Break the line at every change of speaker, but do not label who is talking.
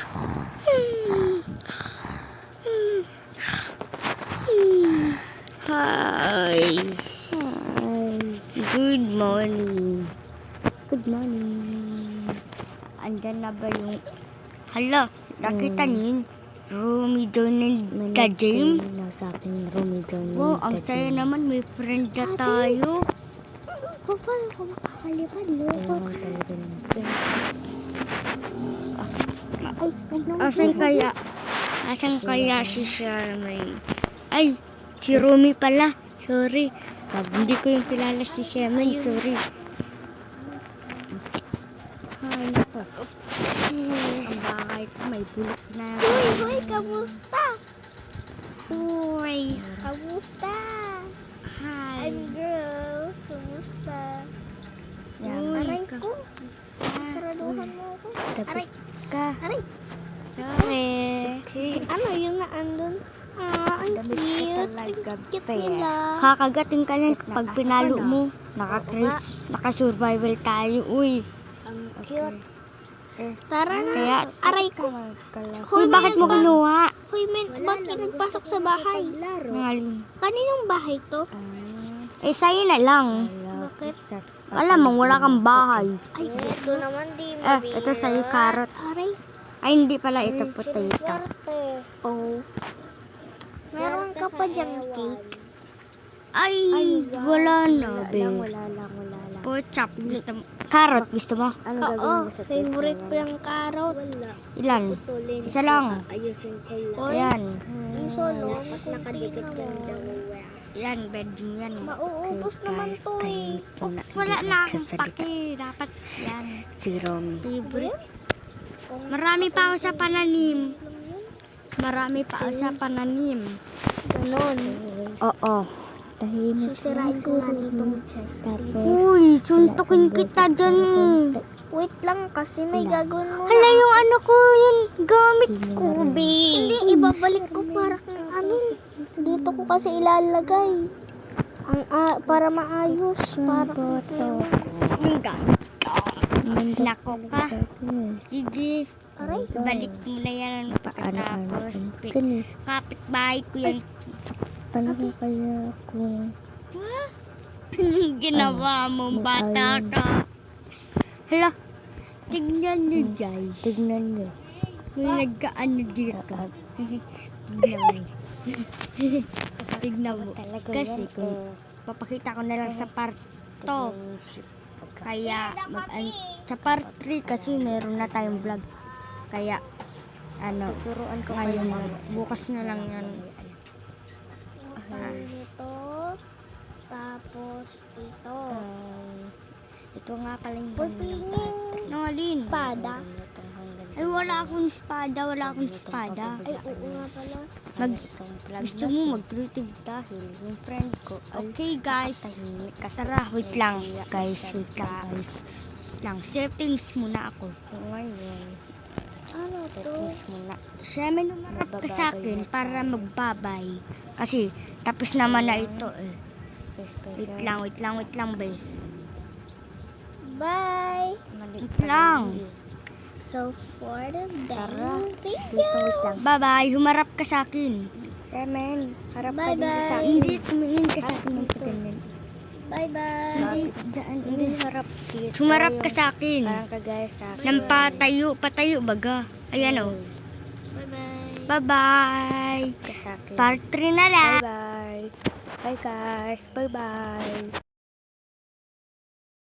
Hi. Good morning. Good morning. Andyan na ba yung... Hala, nakita niyo yun? Romy, John, and the James.
Nasa akin, Romy, John,
Wow, ang saya naman. May friend na tayo.
Paano ka makakalipad, loko? Ay,
Asan kaya si Charmaine? Ay, si Romy pala. Sorry. Hindi ko yung kilala si Charmaine. Sorry.
Ay, nako. Ang bahay ko may bulok na.
Uy, kamusta?
Uy,
Kamusta?
hi.
I'm girl. Kamusta? Aray ko. Saraduhan mo ako.
Tapos ka.
Aray.
Sorry.
Ano yung naandun? Ang
Damit ko
cute.
talaga,
Ang cute
pe.
nila.
Kakagating ka lang pag pinalo mo. Naka-survival tayo. Uy.
Ang cute. Tara na.
Kaya,
Aray ko.
uy, bakit mo kinuha?
Hoy, men, ba't ka nagpasok sa bahay?
Nangaling.
Kaninong bahay to?
Eh, sa'yo na lang.
Bakit?
Alam mo, wala kang bahay.
Ay, ito naman di
Ito sa'yo, carrot.
Aray.
Ay, hindi pala ito, potato.
Oh. Meron ka pa diyang cake?
Ay, wala na, be.
Wala lang.
Pochap, gusto mo? Carrot, gusto mo?
Ano
Oo,
gagawin mo sa test
favorite
na
ko yung carrot.
Ilan? Isa lang.
Ayusin ko lang.
Oy,
Ayan.
yung solo, nakadikit lang daw.
Yan, bedroom yan.
Mauubos naman to eh.
Wala na akong pake. Dapat yan.
Si Romy.
Favorite. Marami pa ako sa pananim. Marami pa ako sa pananim.
Ganon.
Oo.
Tahimik.
Sisirain ko na itong chest.
Tapos,
Uy, suntukin kita dyan.
Wait lang kasi may gagawin mo.
Hala, yung ano ko, yung gamit ko, be.
Hindi, ibabalik ko para kung ano. Dito ko kasi ilalagay. Para maayos. Para
Yung gamit ko. Nako ka. Sige.
Aray.
Balik mo na yan. Pagkatapos, kapitbahay ko yan.
paano ko kaya kung
Anong ginawa mo, bata ka? Hala, tignan niyo, guys.
tignan nyo.
May nagkaano dito. Tignan mo. Tignan mo. Kasi kung papakita ko na lang sa part 2. Kaya, sa part 3 kasi meron na tayong vlog. Kaya,
Turuan ko
ngayon,
kayo
bukas na lang yan.
Ito. Tapos ito.
Ito nga pala yung
Pupingin.
Nangalin.
Espada.
Ay, wala akong espada.
Ay, oo nga pala.
Gusto mo mag-creative dahil yung friend ko. Okay, guys. Tara, wait lang. Guys. Settings muna ako.
Ngayon,
Ano to?
settings muna.
Siya may numarap ka sa akin para magbabay. Kasi, tapos naman na ito eh. Wait lang, bay.
Bye.
Wait lang.
So for the
Tara.
day, thank
Dito,
you.
wait lang.
Bye-bye. Humarap ka sa akin.
Remen, harap ka
Bye-bye.
dito sa akin.
Hindi, tumingin ka sa akin ng ganyan.
Bye-bye.
Hindi harap dito.
Humarap ka sa akin.
Parang kagaya sa akin.
Nang patayo baga. Ayan o.
Bye-bye.
Bye-bye.
Ka sa akin.
Part 3 na lang.
Bye-bye. Bye guys. Bye-bye.